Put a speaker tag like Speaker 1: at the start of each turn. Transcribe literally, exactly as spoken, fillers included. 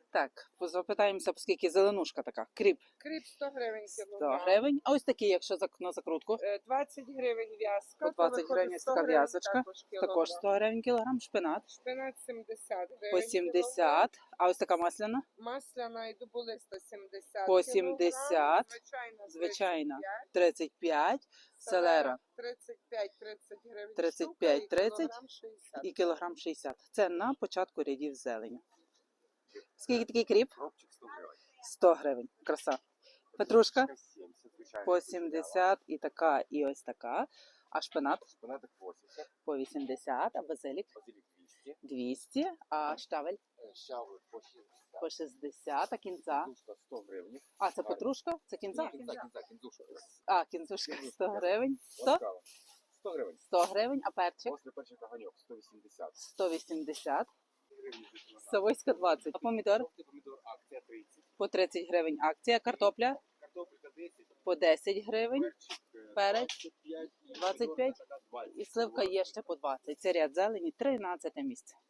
Speaker 1: Так, запитаємося, оскільки зеленушка така. Кріп
Speaker 2: Кріп сто гривень
Speaker 1: сто
Speaker 2: кілограм.
Speaker 1: гривень. А ось такі, якщо зак- на закрутку.
Speaker 2: Е, двадцять гривень в'язка.
Speaker 1: По двадцять
Speaker 2: то
Speaker 1: гривень
Speaker 2: виходить
Speaker 1: ось
Speaker 2: сто
Speaker 1: така
Speaker 2: гривень
Speaker 1: в'язочка.
Speaker 2: Також,
Speaker 1: Також
Speaker 2: кілограм.
Speaker 1: сто гривень кілограм. Шпинат
Speaker 2: Шпинат сімдесят гривень.
Speaker 1: по
Speaker 2: кілограм.
Speaker 1: сімдесят. А ось така масляна
Speaker 2: Масляна і дуболиста сімдесят
Speaker 1: по
Speaker 2: кілограм.
Speaker 1: сімдесят.
Speaker 2: Звичайна,
Speaker 1: Звичайна
Speaker 2: тридцять п'ять.
Speaker 1: тридцять п'ять. Селера
Speaker 2: тридцять п'ять тридцять гривень
Speaker 1: тридцять
Speaker 2: штука
Speaker 1: п'ять
Speaker 2: і
Speaker 1: тридцять
Speaker 2: кілограм шістдесят.
Speaker 1: і кілограм шістдесят. Це на початку рядів зелені. Скільки такий кріп?
Speaker 3: Кропчик сто гривень.
Speaker 1: сто гривень. Краса. Петрушка
Speaker 3: сімдесят, звичайно.
Speaker 1: по сімдесят і така, і ось така. А шпинат
Speaker 3: Шпинатик вісімдесят.
Speaker 1: по вісімдесят, а базилік
Speaker 3: Базилік двісті.
Speaker 1: двісті, а штавель
Speaker 3: Щавель по шістдесят.
Speaker 1: по шістдесят, а кінза.
Speaker 3: Кінзушка сто гривень.
Speaker 1: А, це петрушка? Це кінза?
Speaker 3: Ні, кінза, кінза, кінзушка.
Speaker 1: А, кінзушка сто гривень. сто?
Speaker 3: Ласкава. сто гривень.
Speaker 1: сто гривень, а перчик
Speaker 3: Після перчика ганьок сто вісімдесят.
Speaker 1: сто вісімдесят.
Speaker 3: Гривень за кілограм.
Speaker 1: Савойська двадцять. А помідор
Speaker 3: Жовтий помідор акція тридцять.
Speaker 1: по тридцять гривень акція. Картопля
Speaker 3: Картопелька десять.
Speaker 1: по десять гривень.
Speaker 3: Перчик е,
Speaker 1: Перець
Speaker 3: двадцять п'ять.
Speaker 1: двадцять п'ять.
Speaker 3: помідорка така двадцять.
Speaker 1: І сливка є ще по двадцять. Це ряд зелені, тринадцяте місце.